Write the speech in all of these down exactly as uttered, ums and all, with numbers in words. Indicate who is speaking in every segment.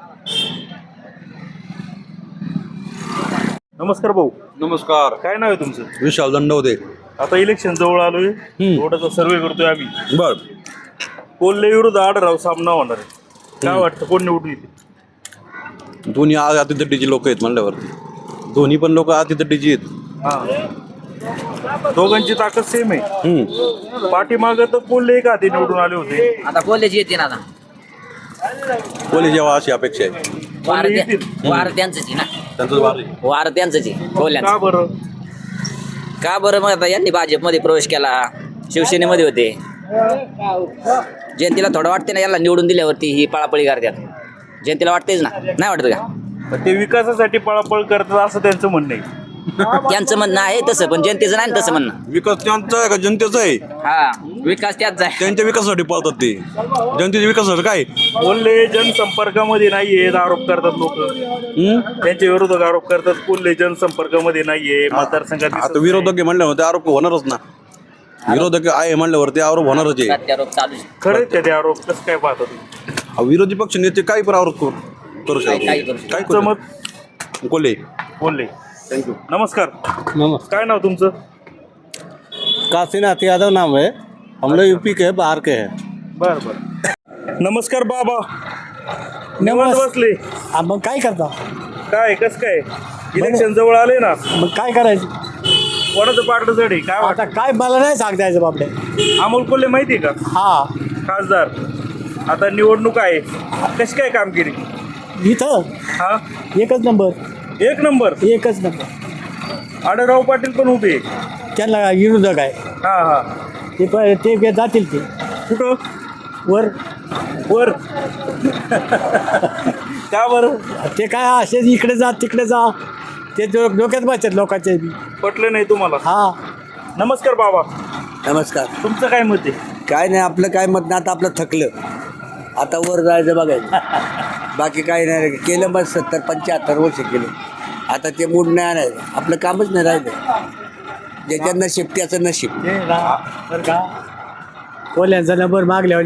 Speaker 1: नमस्कार भाऊ.
Speaker 2: नमस्कार.
Speaker 1: काय नाव आहे तुमचं?
Speaker 2: विशाल दंडवते.
Speaker 1: आता इलेक्शन जवळ आलोय, थोडासा सर्वे करतोय आम्ही.
Speaker 2: बर.
Speaker 1: कोल्हे विरुद्ध आढळराव सामना होणार आहे. काय वाटतं कोण निवडून येते?
Speaker 2: दोन्ही अतितटीची लोक आहेत म्हणल्यावरती. दोन्ही पण लोक अतितटीची आहेत.
Speaker 1: हा, दोघांची ताकद सेम आहे.
Speaker 2: हम्म.
Speaker 1: पाठीमागं तर कोल्हे एक आधी निवडून आले होते.
Speaker 3: आता कॉलेज येते ना आता
Speaker 2: कोल्हे जेव्हा अशी अपेक्षा आहे.
Speaker 3: वार
Speaker 1: कोल्हे
Speaker 3: त्या-
Speaker 1: येतील.
Speaker 3: वार त्यांचंच आहे ना.
Speaker 2: त्यांचं वार आहे.
Speaker 3: वार त्यांचंच आहे कोल्ह्यांचं.
Speaker 1: का बरं?
Speaker 3: का बरं मग आता यांनी भाजपमध्ये प्रवेश केला, शिवसेनेमध्ये होते. जयंतीला थोडं वाटते ना याला निवडून दिल्यावरती ही पळापळी करतात. जयंतीला वाटतेच ना, नाही वाटत का?
Speaker 1: पण ते विकासासाठी पळापळ करतात असं त्यांचं म्हणणं आहे.
Speaker 3: त्यांचं म्हणणं आहे तसं, पण जनतेचं नाही तसं म्हणणं.
Speaker 2: विकास त्यांचा आहे का जनतेचा आहे?
Speaker 3: हा, विकास त्याच आहे.
Speaker 2: त्यांच्या विकासासाठी पळतात ते. जनतेच्या विकासासाठी काय?
Speaker 1: कोल्हे जनसंपर्कामध्ये नाहीयेत आरोप करतात लोक.
Speaker 2: हम्म?
Speaker 1: त्यांच्या विरोधक आरोप करतात कोल्हे जनसंपर्कामध्ये नाहीये मतदारसंघात.
Speaker 2: आता विरोधक आहे म्हणल्यावर ते आरोप होणारच ना. विरोधक आहे म्हणल्यावर ते आरोप होणारच आहे.
Speaker 3: प्रत्यारोप चालू आहे.
Speaker 1: खरंच का ते आरोप? कसं काय पाहता तुम्ही?
Speaker 2: हा, विरोधी पक्ष नेते काही पण आरोप करू करू
Speaker 3: काही- काही
Speaker 2: शकतो.
Speaker 3: करू शकतो.
Speaker 2: काय
Speaker 1: तुमचं
Speaker 2: करू
Speaker 1: मत?
Speaker 2: कोल्हे.
Speaker 1: कोल्हे.
Speaker 2: थँक्यू.
Speaker 1: नमस्कार.
Speaker 4: नमस्कार।
Speaker 1: काय नाव तुमचं?
Speaker 4: काशीनाथ यादव नाम है, हम लोग यूपी के हैं, बाहर के हैं।
Speaker 1: बर बर. नमस्कार बाबा. निवांत बसले.
Speaker 4: आ, मग काय करता?
Speaker 1: काय कसं काय इलेक्शन जवळ आले ना,
Speaker 4: मग काय करायचं?
Speaker 1: कोणाचं पार्ट जड आहे काय
Speaker 4: आता
Speaker 1: वाटतं?
Speaker 4: काय मला नाही सांगता यायचं बापडे.
Speaker 1: अमोल कोल्हे माहिती आहे का?
Speaker 4: हा,
Speaker 1: खासदार. आता निवडणूक आहे, कशी काय कामगिरी?
Speaker 4: इथं
Speaker 1: हा,
Speaker 4: एकच नंबर,
Speaker 1: एक नंबर.
Speaker 4: एकच नंबर.
Speaker 1: आढळराव पाटील पण उभे आहे.
Speaker 4: त्यांना विरोधक आहे
Speaker 1: हा हा.
Speaker 4: ते प- ते जातील ते
Speaker 1: कुठं?
Speaker 4: वर.
Speaker 1: वर. का बरं?
Speaker 4: ते काय असेच इकडे जा तिकडे जा, ते डो- डोक्यात बसतात लोकांचे बी.
Speaker 1: पटलं नाही तुम्हाला?
Speaker 4: हा,
Speaker 1: नमस्कार बाबा.
Speaker 5: नमस्कार.
Speaker 1: तुमचं काय मत आहे?
Speaker 5: काय नाही, आपलं काय मत नाही, आता आपलं थकलं. आता वर जायचं बघायचं. बाकी काही नाही केलं. मग सत्तर पंच्याहत्तर वर्ष केलं. आता ते मूड नाही आणायचं. आपलं कामच नाही राहिलं. ज्याच्या नशीब त्याचं नशीब.
Speaker 4: ते ना बरं का, कोल्ह्यांचा नंबर मागल्यावर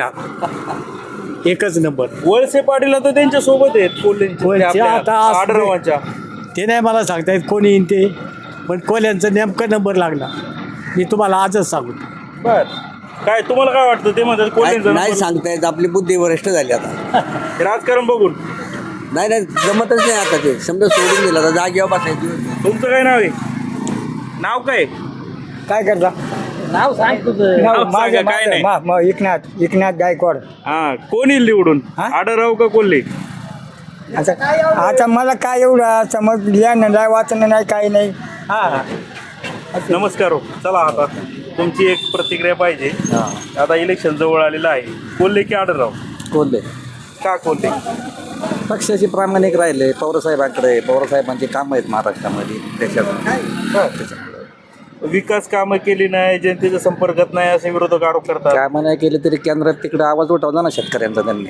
Speaker 4: लागणार एकच नंबर.
Speaker 1: वळसे पाटील आता त्यांच्या सोबत आहेत कोल्हेंच्या,
Speaker 4: वळसे
Speaker 1: आपल्या
Speaker 4: आता असते.
Speaker 1: आढळरावांच्या.
Speaker 4: ते नाही मला सांगता येत कोणी येईन ते, पण कोल्ह्यांचा नेमका नंबर लागला. मी तुम्हाला आजच सांगू.
Speaker 1: बर. काय तुम्हाला काय वाटतं? ते म्हणतात
Speaker 5: काय-
Speaker 1: कोल्हेंचं
Speaker 5: नाही
Speaker 1: नंबर-
Speaker 5: सांगता येत. आपली बुद्धी वरिष्ठ झाली आता.
Speaker 1: राजकारण बघून.
Speaker 5: नाही नाही जमतच नाही आता. ते समजा सोडून दिलं आता जागेवर बसायची.
Speaker 1: तुमचं काय नाव आहे? नाव काय?
Speaker 4: काय करता?
Speaker 3: नाव सांग तुझं.
Speaker 1: नाव सांगा, काय नाही.
Speaker 4: एकनाथ एकनाथ गायकवाड.
Speaker 1: हा, कोण येईल निवडून?
Speaker 4: हा?
Speaker 1: आढळराव का कोल्हे?
Speaker 4: आता आता मला काय एवढं समज लिहाणं नाही, वाचणं नाही, काही नाही. हा,
Speaker 1: नमस्कार हो. चला आता तुमची एक प्रतिक्रिया पाहिजे. आता इलेक्शन जवळ आलेलं आहे. कोल्हे की आढळराव?
Speaker 6: कोल्हे.
Speaker 1: का कोल्हे?
Speaker 6: पक्षाचे प्रामाणिक राहिले. पवारसाहेबांकडे पवारसाहेबांची कामं आहेत महाराष्ट्रामध्ये, त्याच्यात
Speaker 1: विकास कामं केली नाही, जनतेच्या संपर्कात नाही असे विरोधक आरोप करतात.
Speaker 6: कामं नाही केली तरी केंद्रात तिकडे आवाज उठवला ना शेतकऱ्यांचा त्यांनी.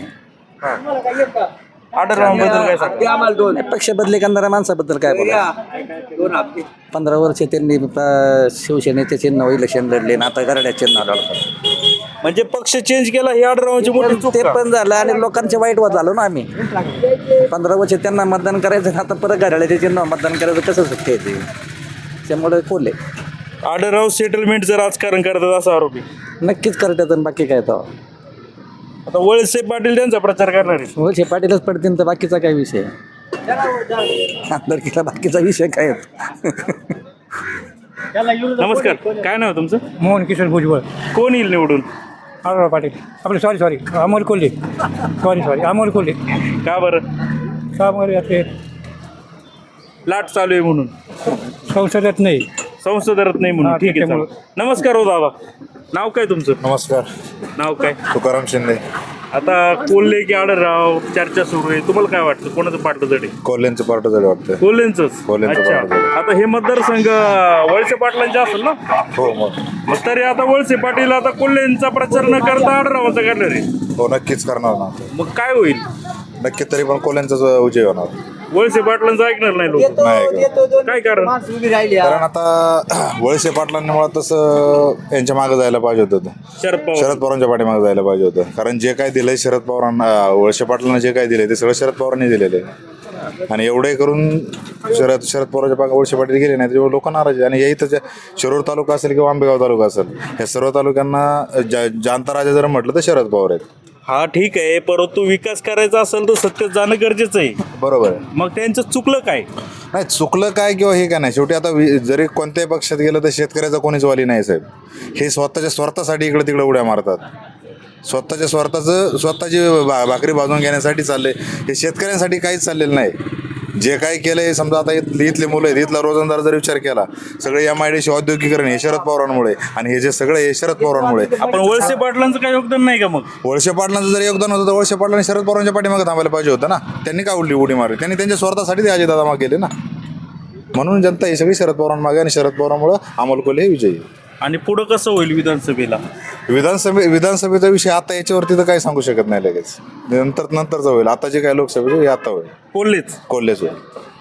Speaker 1: आढळरावांबद्दल काय सांगता?
Speaker 6: नाही, पक्ष बदली करणाऱ्या माणसाबद्दल काय बोला. पंधरा वर्ष त्यांनी अं, शिवसेनेचे चिन्ह इलेक्शन लढले ना, आता गरड्या चिन्ह लढतात.
Speaker 1: म्हणजे पक्ष चेंज केला ही आढळरावांची मोठी चूक
Speaker 6: ते
Speaker 1: का?
Speaker 6: पण झालं आणि लोकांचे वाईट वाद झालो ना आम्ही. पंधरा वर्ष त्यांना मतदान करायचं आणि आता परत घड्याळ्याचे चिन्ह मतदान करायचं कसं शक्य आहे ते? त्यामुळे कोल्हे
Speaker 1: आढळराव सेटलमेंटचं राजकारण करतात असा आरोप आहे.
Speaker 6: नक्कीच करतात आणि बाकी काय तर
Speaker 1: आता वळसे पाटील त्यांचा प्रचार करणार आहे.
Speaker 6: वळसे पाटीलच पडतील तर बाकीचा काय विषय? आमदारकीला बाकीचा विषय काय?
Speaker 1: नमस्कार. काय नाव आहे तुमचं?
Speaker 4: मोहन किशोर भुजबळ.
Speaker 1: कोण येईल निवडून?
Speaker 4: आढळराव पाटील. आपलं sorry sorry Amol Kolhe. Sorry sorry Amol Kolhe.
Speaker 1: का बरं?
Speaker 4: का बरं ते
Speaker 1: लाट चालू आहे म्हणून?
Speaker 4: संसदेत नाही.
Speaker 1: संसदरत नाही म्हणून.
Speaker 4: हा,
Speaker 1: ठीक आहे,
Speaker 4: त्याच्यामुळं.
Speaker 1: चालेल. नमस्कार हो दादा. नाव काय तुमचं?
Speaker 7: नमस्कार.
Speaker 1: नाव काय?
Speaker 7: तुकाराम शिंदे.
Speaker 1: आता कोल्हे की आढळराव चर्चा सुरू आहे. तुम्हाला काय वाटतं कोणाचं पार्ट जड आहे?
Speaker 7: कोल्ह्यांचं पार्ट झालं वाटतं.
Speaker 1: कोल्हेंचंच.
Speaker 7: कोल्हेंचं
Speaker 1: अच्छा.
Speaker 7: पार्ट जड.
Speaker 1: आता हे मतदारसंघ वळसे पाटलांचे असेल ना?
Speaker 7: हो मग
Speaker 1: मग तरी आता वळसे पाटील आता कोल्हेंचा प्रचार न करता आढळरावांचा करणार आहे.
Speaker 7: हो नक्कीच करणार ना.
Speaker 1: मग काय होईल?
Speaker 7: नक्की तरी पण कोल्ह्यांचाच विजय होणार.
Speaker 1: वळसे पाटलांचं ऐकणार नाही लोक,
Speaker 7: नाही का?
Speaker 1: काय कारण?
Speaker 7: कारण आता वळसे पाटलांमुळे तसं यांच्या मागे जायला पाहिजे होतं
Speaker 1: शरद पवार
Speaker 7: शरद पवारांच्या पाठीमागे जायला पाहिजे होतं. कारण जे काय दिलंय शरद पवारांना, वळसे पाटलांना जे काय दिलंय ते सगळं शरद पवारांनी दिलेलं आहे. आणि एवढे करून शरद शरद पवारांच्या पाठी वळसे पाटील गेले नाही त्याच्यामुळे लोक नाराज आहे. आणि या इथं शिरूर तालुका असेल किंवा आंबेगाव तालुका असेल, या सर्व तालुक्यांना जा जाणता राजा जर म्हटलं तर शरद पवार आहेत.
Speaker 1: हा ठीक आहे, परंतु विकास करायचा असेल तर सत्तेत जाणं गरजेचं आहे.
Speaker 7: बरोबर आहे.
Speaker 1: मग त्यांचं चुकलं काय?
Speaker 7: नाही चुकलं काय किंवा हे काय नाही, शेवटी आता वि- जरी कोणत्याही पक्षात गेलं तर शेतकऱ्याचा कोणीच वाली नाही साहेब. हे स्वतःच्या स्वार्थासाठी इकडे तिकडे उड्या मारतात. स्वतःच्या स्वार्थाचं स्वतःची भा भाकरी भाजून घेण्यासाठी चालले, हे शेतकऱ्यांसाठी काहीच चाललेलं नाही. जे काही केलंय समजा आता इथले इथले मुलं आहेत, इथला रोजंदार जर विचार केला, सगळे एम आय डी सी औद्योगिकरण हे शरद पवारांमुळे, आणि हे जे सगळं हे शरद पवारांमुळे.
Speaker 1: आपण वळसे पाटलांचं काय योगदान नाही का मग?
Speaker 7: वळसे पाटलांचं जर योगदान होतं तर वळसे पाटलांनी शरद पवारांच्या पाठीमागे थांबायला पाहिजे होतं ना. त्यांनी काय उडली उडी मारली? त्यांनी त्यांच्या स्वार्थासाठी ते अजितदादा मागे गेले ना. म्हणून जनता ही सगळी शरद पवारांमागे, आणि शरद पवारांमुळे अमोल कोल्हे हे विजयी.
Speaker 1: आणि पुढं कसं होईल विधानसभेला?
Speaker 7: विधानसभे विधानसभेचा विषय आता याच्यावरती तर काही सांगू शकत नाही लगेच. नंतर नंतरचा होईल. आता जे काय लोकसभेचं हे आता होईल.
Speaker 1: कोल्हेच
Speaker 7: कोल्हेच होईल.